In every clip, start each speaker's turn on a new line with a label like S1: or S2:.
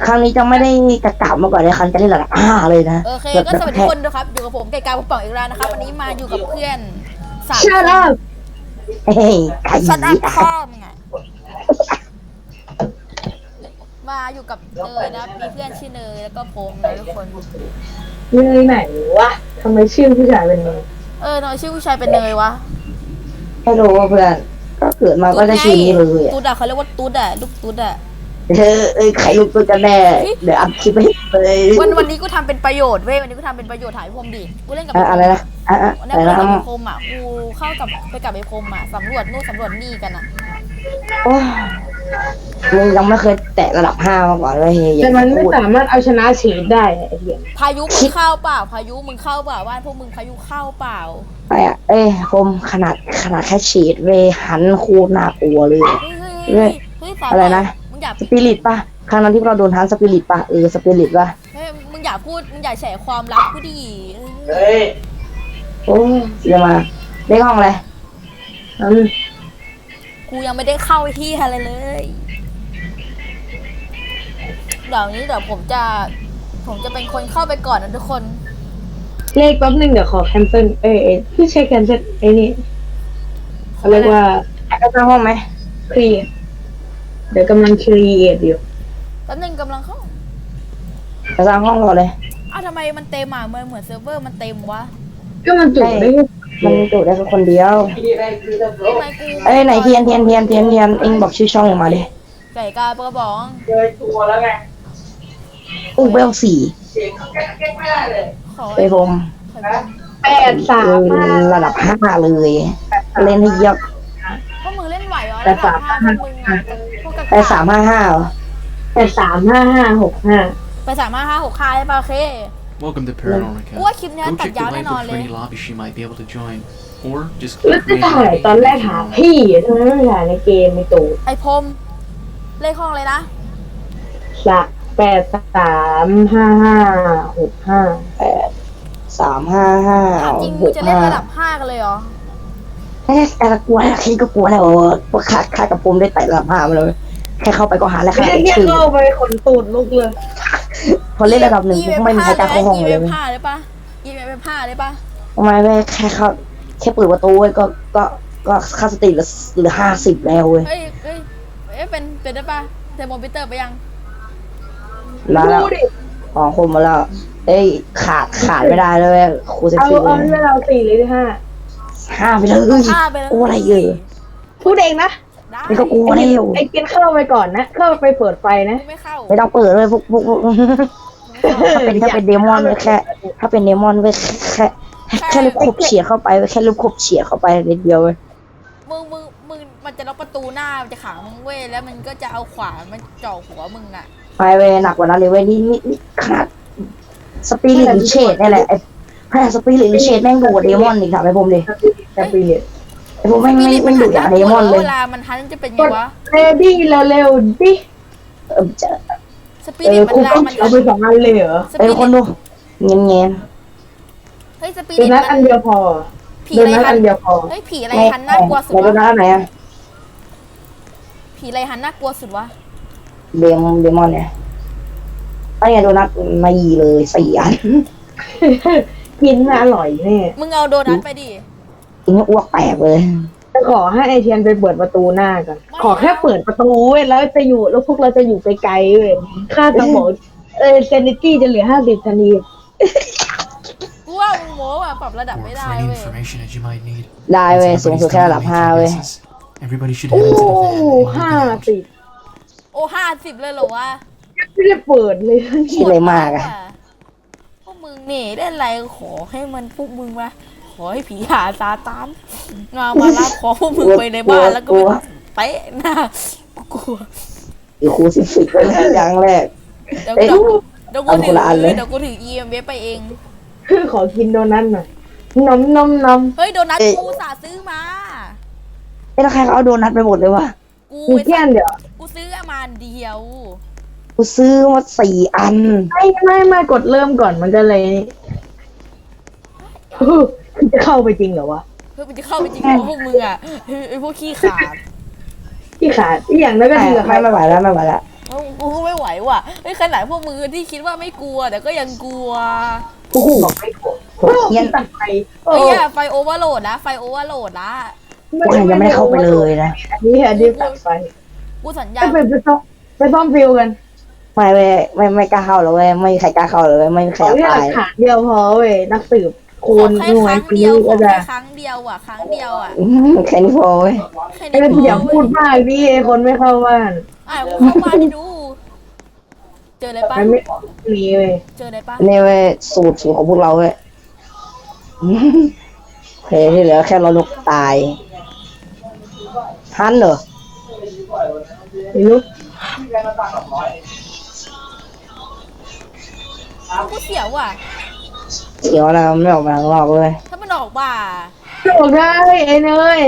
S1: ครั้งนี้จะไม่ได้กระกาบมาก่อนเลยครั้งจะเล่นระดับ5เลยนะ
S2: โอเคก็สวัสดีทุกคนนะครับอยู่กับผมไก่กาผมป่องอีกแล้วนะครับวันนี้มาอยู่กับเพื่อน3
S3: Shut up
S1: เฮ้ยไก่
S2: ชัดอัพพ่อมึงไงมาอยู่กับเนยนะมีเพื่อนชื่อเนยแล้วก็ผมนะทุกคน
S3: เนยไหนวะทำไมชื่อผู้ชายเป็นเนย
S2: เนยชื่อผู้ชายเป็นเนยวะ
S1: ไม่รู้ว่าเพื่อนก็เกิดมาก็จะชื่อนี้เลยอะ
S2: ตุ๊ดอะเขาเรียกว่าตุ๊ดอะลูกตุ๊ดอะ
S1: ใครรู้ตัวกันแน่เดี๋ยวอัพคลิปให้เลย
S2: วันนี้กูทำเป็นประโยชน์เว้ยวันนี้กูทำเป็นประโยชน์ถ่ายพรมดิกูเล่นกับ
S1: อะไรนะ
S2: วัน
S1: อะไร
S2: นี้กู
S1: นะ
S2: เล่นกับไอ้พรมอะกูเข้ากับไปกับไอ้พรมอะสำรวจนู่นสำรวจนี่กันอะ
S1: โอ้ยมึงยังไม่เคยแตะระดับ5มาก่อนเลยเฮ้ย
S3: แต่มันไม่สามารถเอาชนะเฉดได้ไอ้เหี้ย
S2: พายุมึงเข้าเปล่าพายุมึงเข้าเปล่าบ้านพวกมึงพายุเข้าเปล่า
S1: ไปอ่ะผมขนาดแค่ฉีดเวหันโคตรน่ากลัวเลย
S2: เฮ้ยสา
S1: อะไรนะ
S2: มึงอย่า
S1: สปิริตป่ะครั้งนั้นที่เราโดนทันสปิริตป่ะสปิริตป่ะ
S2: เฮ้ยมึงอย่าพูดมึงอย่าแฉความลับกูดิ
S1: โอ้ยเดี๋ยวมาได้ห้องเลย
S2: กูยังไม่ได้เข้าที่อะไรเลยเดี๋ยวผมจะเป็นคนเข้าไปก่อนนะทุกคน
S3: เลขแป๊บนึงเดี๋ยวขอแคนเซิลพี่เช็คแคนเซิลไอ้นี่เขาเรียกว่า
S1: ได้ห้องไหม
S3: ครีเดี๋ยวกำลังครีเอทอยู่
S2: แป๊บนึงกำลังเข้า
S1: จะสร้างห้องก่อนเลย
S2: ทำไมมันเต็มอ่ะเหมือนเซิร์ฟเวอร์มันเต็มวะ
S3: ก็มันจุได้
S1: มันจุได้แค่คนเดียว
S2: ทำไมกู
S1: ไหนเทียนเอ็งบอกชื่อช่องมาดิ
S2: ไก่กาปกระบอก
S1: เวล4
S2: ขอ
S1: ไปผม
S3: 835
S1: ระดับ5เลยเล่นให้เยอะ
S2: พวกมึงเล่นไหวเหรอระดับ5พวกมึงอ่ะพวกกระ
S1: ไป355เหรอ
S3: 8355565
S2: ไป3556ใช่ป่ะโอเค
S4: Welcome to Paranormal Cat.
S2: What keep that
S4: Go check the
S2: down
S4: link
S2: and all
S4: for any
S2: that?
S4: lobby she might be able to join. Or just
S3: แล้ว
S4: keep
S3: จะถ่าย
S4: creating
S3: ตอนแรกหาพี่ทำไมไม่ถ่ายในเกมไม่ตู
S2: ไอพรมเลขห้องเลยนะ
S3: สัก8355565
S1: 355
S2: จริงมึงจะเล่นระดับ5กันเลยเหรอ
S1: แต่กลัวแล้วคิดก็กลัวแล้วพวกขาดกับผมได้ไต่ระดับ5มาเลยแค่เข้าไปก็หาแล้ว
S3: ไม่
S1: ค่ะ
S3: ได้เงี้ยเข้าไปขนตูดลุกเลย
S1: พอเล่นระดับ1ก็ไม่มีใครกล้าเข้าห้องเลย
S2: ผ้าได้ปะยีเว็บผ้าได้ปะ
S1: ทำไมไม่แค่เข้าแค่เปิดประตูก็ค่าสติเหลือ50แล้วเว้ย
S2: เฮ้ยเป็นได้ปะเทอร์โมมิเตอร์ไปยัง
S1: มาแล้ว
S3: ดูดิ
S1: อ๋อคมมาแล้วขาดไม่ได้เลยครูเซฟ
S3: เอา
S1: ตี้
S3: เอาให้เรา4หรือ5
S1: 5ไปเลย
S2: ผ้าไปแล้ว
S1: โอ้อะไร
S3: พูดเองนะ
S2: ได้
S1: นี่ก็กลัวแล้ว
S3: ไอ้กินเข้าไปก่อนนะเข้าไปเปิดไฟนะ
S2: ไม่เข้า
S1: ไม่ต้องเปิดเลยพวกถ้าเป็นเดมอนไว้แค่ถ้าเป็นเดมอนไว้แค่ลูกขบเฉียดเข้าไปแค่ลูกขบเฉียดเข้าไปนิดเดียวเลย
S2: มึงมันจะล็อกประตูหน้ามันจะขังมึงเว้ยแล้วมันก็จะเอาขวานมันจ่อหัวมึงอ่ะ
S1: ไปเว้ยหนักกว่านั้นเลยเว้ยนี่ขนาดสปิริตเชดนี่แหละไอ้แค่สปิริตเชดแม่งดูกว่าเดมอนอีกถามไอ้ผมดิ
S3: จะเปลี่ยน
S1: ไอ้ผมไม่ดุอย่างเดมอนเลย
S2: เวลามันทันจะเป็นไงวะ
S3: เรดี้เร็วๆดิ
S1: จะ
S2: สปิริตมัน
S3: คุณ
S2: ลา
S3: ต้อง
S2: มัน
S3: เอาไป2อันเลยเหรอ
S2: สปิริต
S1: คนดูเงี้ย
S2: เฮ้ยสปิ
S3: โด
S2: ริต
S3: นัทอันเดียวพอ
S2: ผี
S3: โด
S2: อะไร
S3: นัท
S2: หั
S3: อั
S2: น
S3: นเดียวพอ
S2: เฮ้ยผีอะไรหันน่ากลัวสุด
S1: โดนั
S2: วะ
S1: ทไหนอะ
S2: ผีอะไรหันน่ากลัวสุดวะ
S1: เดมอนเนี่ยไอ้โดนัทมายีเลย4 อัน
S3: กินอร่อยแน่
S2: มึงเอาโดนัทไปดิ
S1: กินอ้วกแตกเลย
S3: จะขอให้ไอเทียนไปเปิดประตูหน้าก่อนขอแค่เปิดประตูเว้ยแล้วพวกเราจะอยู่ไกลๆเว้ยค่าสมองเซนิตี้จะเหลือ50ทันที
S2: กูว่ามึงโม้อะปรับระดับ
S4: or
S2: ไม่
S4: for
S2: ได้
S4: any
S2: เว้ย
S4: information that you might need.
S1: ได้เว้ย
S4: Once
S1: สูงสุด
S4: everybody's
S1: แค่
S4: done
S1: ระดับ
S4: their
S1: 5เว้ย
S4: business, everybody should
S3: โอ้
S4: head into the van and leave the lounge.
S3: 50
S2: โอ้50เลยเหรอวะ
S3: ไม่ได้เปิดเลย
S1: คิดเลยมากอะ
S2: พวกมึงนี่ได้อะไรขอให้มันพวกมึงมาขอให้ผีหาซาตานมารับขอพวกมึงไปในบ้านแล้วก็ไปเตะหน้ากูกลัว
S1: อยู่ครู10ไปแล้วอย่างแรก
S2: เดี๋ยว
S1: เอ้ย
S2: เดี๋ยวกู
S1: เอา
S2: ถื
S1: คนละอันเลย
S2: เดี๋ยวกูถือ EMF ไปเอง
S3: ขอกินโดนัทหน่อยนม
S2: เฮ้ยโดนัทกูสาซื้อมา
S1: แล้วใครเขาเอาโดนัทไปหมดเลยวะ
S2: กู
S3: มีแค่อันเดียว
S2: กูซื้อมาอันเดียว
S1: กูซื้อมา4 อัน
S3: ไม่กดเริ่มก่อนมันจะเลยจะเข้าไปจริงเหรอวะ
S2: เพื่อมันจะเข้าไปจริงของพวกมึงอ่ะไอ้พวกขี้ขาด
S3: ที่ขาดอีกอย่างนั้นก็ดีกับใคร
S1: ไม่ไหวแล้ว
S2: แล้วกูไม่ไหวว่ะเฮ้ยขนาดพวกมึงที่คิดว่าไม่กลัวแต่ก็ยังกลัว
S3: โอ้โหบอกไม่ถูกโอ้โหตัดไฟ
S2: เฮ้ยไฟโอเวอร์โหลดนะไฟโอเวอร์โหลดนะ
S1: พวกฉันยังไม่ได้เข้าไปเลยนะ
S3: อันนี้ตัดไฟ
S2: กูสัญญา
S3: ไปซ่อมฟิวกัน
S1: ไม่กล้าเข้าเลยเว้ยไม่มีใครกล้าเข้าเลยเว้ยไม่มีใคร
S3: ขอ
S1: อยาก
S3: แค่หลั
S1: ตาก ย
S3: ฐานเดียวพอเว้ยนักสืบ
S2: ข
S3: คู
S2: อ
S3: ณ
S2: แค่
S3: หน่ว
S2: ค
S3: ย
S2: รั้ง
S3: ปี
S2: เดียวข
S3: ก็
S2: อ
S3: จะ
S2: แค่ครั้งเดียวอ่ะครั้งเดียวอ่ะ
S1: แค่นี้พอเว้ย
S2: แค่
S3: ไอ้
S2: นี้
S3: เรื่องอย่าพูดมากดิไอ้คนไม่เข้าบ้าน
S2: กูเข้าบ้านให้ดู เจออะไรปะ
S3: มันไม่มีเว้ย
S2: เจออะไรปะ
S1: นี่เว้ยสูตรของพวกเราเว้ยโอเคที่เหลือแค่เรานกตายฮันเหรอ
S3: ไม่รู้
S2: กูเสียวว่ะ
S1: เสียวนะไม่ออกมาข้างนอกเลย
S2: ถ้ามันออกบ่า
S3: โอกได้ไอ้เนย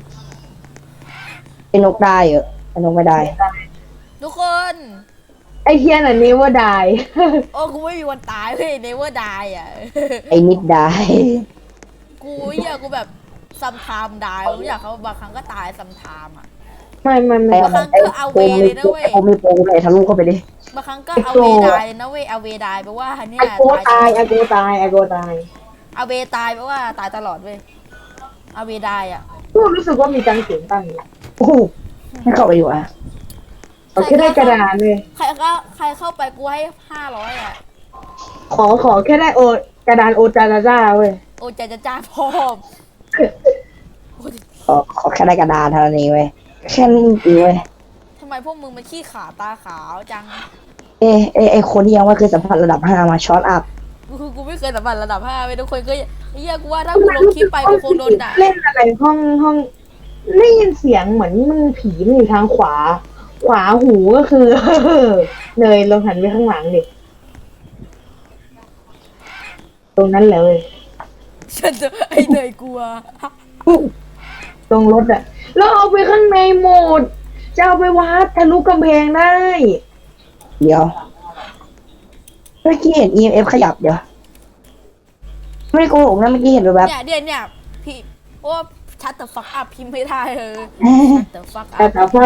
S1: ไอ้นกได้เหรอไอ้นกไม่ได้
S2: ทุกคน
S3: ไอ้เทียนอันนี้ว่าได้
S2: โอ้กูไม่มีวันตายเว้ย never die อ่ะ
S1: ไอ้นิดได้
S2: กูกูแบบซัมไทม์ได้กูอยากเขาบางครั้งก็ตายซัมไทม์อ่ะ
S3: ไม่
S1: ไอ้
S2: บางครั้งก็เอาเวเลยนะเว้ย
S1: โคมีโปรเลยทะลุเข้าไปดิ
S2: บางครั้งก็เอาเวได้เลยนะเว้ยเอาเวได้แปลว่าเนี่ย
S3: ไอโกตายไอโกตายไอโกตาย
S2: เอาเวตายแปลว่าตายตลอดเว้ยเอาเวได้อ่ะ
S3: กูรู้สึกว่ามีจังเสียงตั้งอยู่
S1: โอ้โหไม่เข้าไปอยู่อ่ะ
S3: เอาแค่ได้กระดานเลย
S2: ใครเข้าไปกูให้500อ่ะ
S3: ขอแค่ได้โอกระดานโอจาจาจ้าเว้ย
S2: โอ้ใจจะจ้าพ่อม
S1: ขอแค่ได้กระดานเท่านี้เว้ยแค่นี้จริงๆเว้ย
S2: ทำไมพวกมึงมันขี้ขาตาขาวจัง
S1: ไอคนที่ยังไม่เคยสัมผัสระดับ 5มาช็อตอัพ
S2: กูไม่เคยสัมผัสระดับ5ไปทุกคนก็กูว่าถ้ากูลงคลิปไปกูคงโดนด่า
S3: เล่นอะไรห้องได้ยินเสียงเหมือนมันผีมันอยู่ทางขวาหูก็คือ เนยลองหันไปข้างหลังดิตรงนั้นเลย
S2: ฉันจะไอเนยกลัว
S3: ตรงรถอะแล้วเอาไปข้างในหมดจะเอาไปวัดทะลุกำแพงได้
S1: เดี๋ยวเมื่อกี้เห็น EMF ขยับเดี๋ยวไม่ได้โกหกนะเมื่อกี้เห็นแบบ
S2: เนี่ยพี่โอ้ชัดแต่ฟักอัพพิมพ์ไม่ได้ชัดแต่ฟักอั
S3: แต่
S2: พ
S3: ถามว่า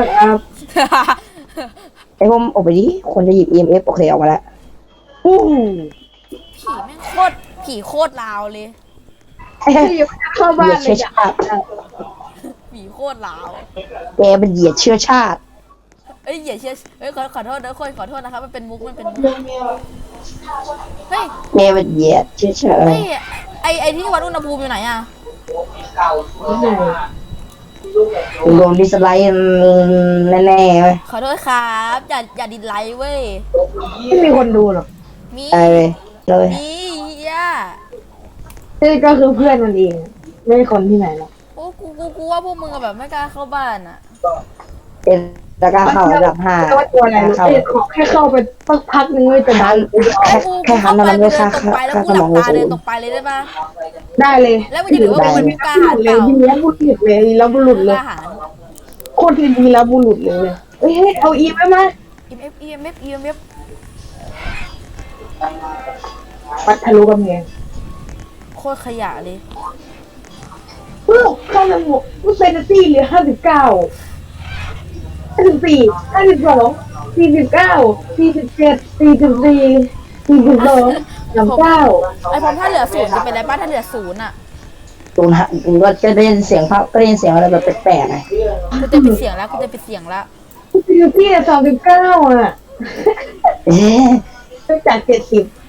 S1: ไอ้ผมออกไปดิคนจะหยิบ EMF โอเคออกมาแล้ว
S3: อู้
S2: ผีแม่งผีโคตรลาวเลย
S3: เข้าบ้า
S1: เหยีย
S3: น
S1: ด
S3: เล
S1: เชื้อย ชาติ
S2: ผีโคตรลาว
S1: แกเป็นเหยียดเชื้อชาติ
S2: อย่าเชื่อขอโทษนะคนขอโทษนะครับมันเป็นมุกเฮ้ย
S1: แกเป็นเหยียดเชื้อชาติ
S2: ไอที่วัดอุณหภูมิอยู่ไหนอ่ะ
S1: โดนดิสไลด์แน่ๆเว้ย
S2: ขอโทษครับอย่าดิสไลค์เว้ย
S3: ไม่มีคนดูหรอก
S2: มี
S1: ตายเลยเลย
S2: มีเฮีย
S3: นี่ก็คือเพื่อนมันเองไม่ใช่คนที่ไหนหรอก
S2: โอ้กูว่าพวกมึงแบบไม่กล้าเข้าบ้านอ่ะ
S1: เป็นตะกร้าเข้าระดับ 5
S3: แต่ว่าตัวอะไรรู้
S1: เข้า
S3: ขอแค่เข้าไปสักพักนึงเลยจะดั
S1: ฮั
S3: น
S1: นแค่ฮันนั้นไม่ค่า
S2: ตกไปแล้ว
S1: ค่า
S2: กู
S1: ส
S2: ห
S1: ม
S2: ลั
S1: อง
S2: บ
S1: กู
S2: ตา
S1: สู
S2: เดิน
S1: ง
S2: ตกไปเลยได้ปะ
S3: ได้เลย
S2: แล้วมันจะถือว่าเป็นกล้าหาญเป
S3: เลย
S2: ล่า
S3: ทีนี้บุรุษเลยแล้วบุรุษ
S2: ก
S3: เลย
S2: ล้าหาญ
S3: โคตรทีแล้วบุรุษเลยเฮ้ยเอาอีไหมมา
S2: EMF
S3: ปัดทะลุกำแพง
S2: โคตรขยะเลย
S3: เข้าไปหมดกูเซนตี้เหลือ54 52 49 47 44 42 39
S2: ไอพอถ้าเหลือศูนย์จะเป็นอะไรบ้างถ้าเหลือศูนย์อ่ะ
S1: ตูนฮะก็จะได้ยินเสียงภาพก็ได้ยินเสียงอะไรแบบแปลกๆไง
S2: กูจะปิดเสียงแล้วกูจะปิดเสียงแล้ว
S3: พี่39อ่ะ
S1: เอ๊ะ
S3: จาก70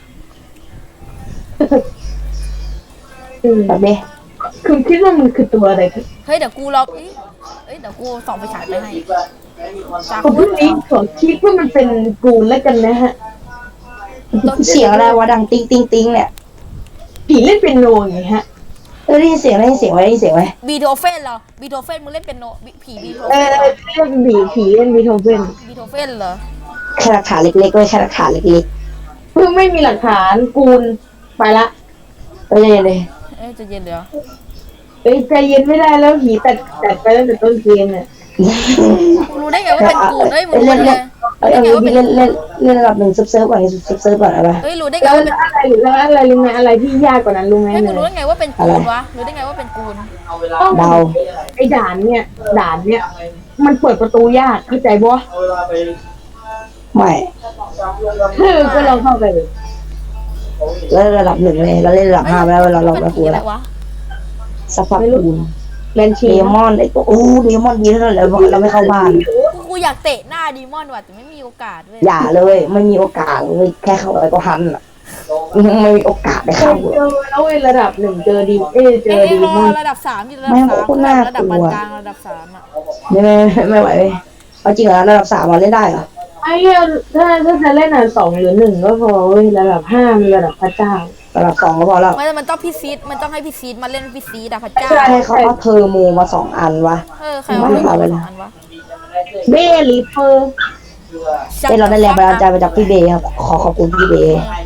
S1: แบบนี้
S3: คุณคิดว่ามันคือตัวอะไรครับ
S2: เฮ้ยเดี๋ยวกูรอเดี๋ยวกูส่องไฟฉายไปให้จาก
S3: ผม
S2: คุ
S3: พู
S2: ณ
S3: ดนี้ขอคิดว่ามันเป็นกูนแล้วกันนะฮะ
S1: เสียงอะไรวะดังติ๊งติ๊งติ๊งเนี่ย
S3: ผีเล่นเป็นโนไงฮะ
S1: ได้ยินเสียงไหม
S2: บีโธเฟนเหรอบีโธเฟนมึงเล่นเป็นโนผีบีโธ
S3: เอ
S2: เฟน
S3: อ
S2: เหรอ
S3: เรียกผีเล่นบีโธเฟน
S2: บีโธเฟนเหรอ
S1: แค่หลักฐานเล็กๆไว้แค่หลักฐานเล็ก
S3: เพิ่งไม่มีหลักฐานกูนไปละ
S1: ๆก็เลย
S2: จะเย็นเดี๋ยว
S3: เอ้ยใจเย็นไม่ได้แล้วผีตัดไปตั้งแต่ต้นเกมเนี่ย
S2: มึงรู้ได้ไงว่าเป็นกูเฮ้ยมึงรู้
S1: เล่น
S2: ได้ไง
S1: เล่นเล่นเล่นเล่นระดับ1เซิร์ฟก่อนเซิร์ฟก่อนอะไร
S2: เฮ้ยรู้ได้ไง
S3: แล้ว
S2: ว่าเป็น
S3: อะไรรู้ไหมอะไรที่ยากกว่านั้นรู้ไหม
S2: เฮ้ยมึ
S3: เนี่
S2: งรู้ได้ไงว่าเป็นกูวะรู้ได้ไงว่าเป็นกู
S3: ต้อง
S1: เดา
S3: ไอ้ด่านเนี่ยมันเปิดประตูยากเข้าใจปะ
S1: ไม่
S3: ก็ลองเข้าไปเลย
S1: แล้วระดับ 1เลยเราเล่นระดับ 5ไปแล้วเรา
S2: เป็น
S1: ไม่
S2: ผี
S1: กลัว
S2: อะไร
S1: แล้ว
S2: วะ
S1: สักพักคูณ
S3: แมนชี
S1: เดมอนไอ้ตัวเดมอนดีเท่านั้นแหละเราไม่เข้าบ้าน
S2: กูอยากเตะหน้าดีมอนว่ะแต่ไม่มีโอกาสเว้ย
S1: อย่าเลยไม่มีโอกาสเลยแค่เข้าไปก็หันอ่ะไม่มีโอกาสได้
S3: เค
S1: เข้าย
S3: เจอแล้วเว้ยระดับ 1เจอดีเจอดี
S2: รอ
S3: มาก
S2: ระดับ3อยู่ระดับ3ระดับปานกลางระดับ3อ่ะ
S1: ไม่ไหวเลยเอาจริงเหรอระดับ3มาเล่นได้เหรอ
S3: ไอ้ถ้าจะเล่น2 หรือ 1ก็พอเว้ยระดับ5มีระดับพระเจ้า
S1: ระดับ2ก็พอแล้ว
S2: ไม่มันต้องพี่ซีดมันต้องให้พี่ซีดมาเล่นพี่ซีดอะพระเจ้า
S1: ใช่ให้เขาเอาเทอร์โมมา2 อันวะ
S2: ใครเอาเล่นสองอันวะ
S3: เบลีเฟอร์
S1: เราได้แรงบันดาลใจมาจากพี่เบย์ครับขอบคุณพี่เบย์
S2: ข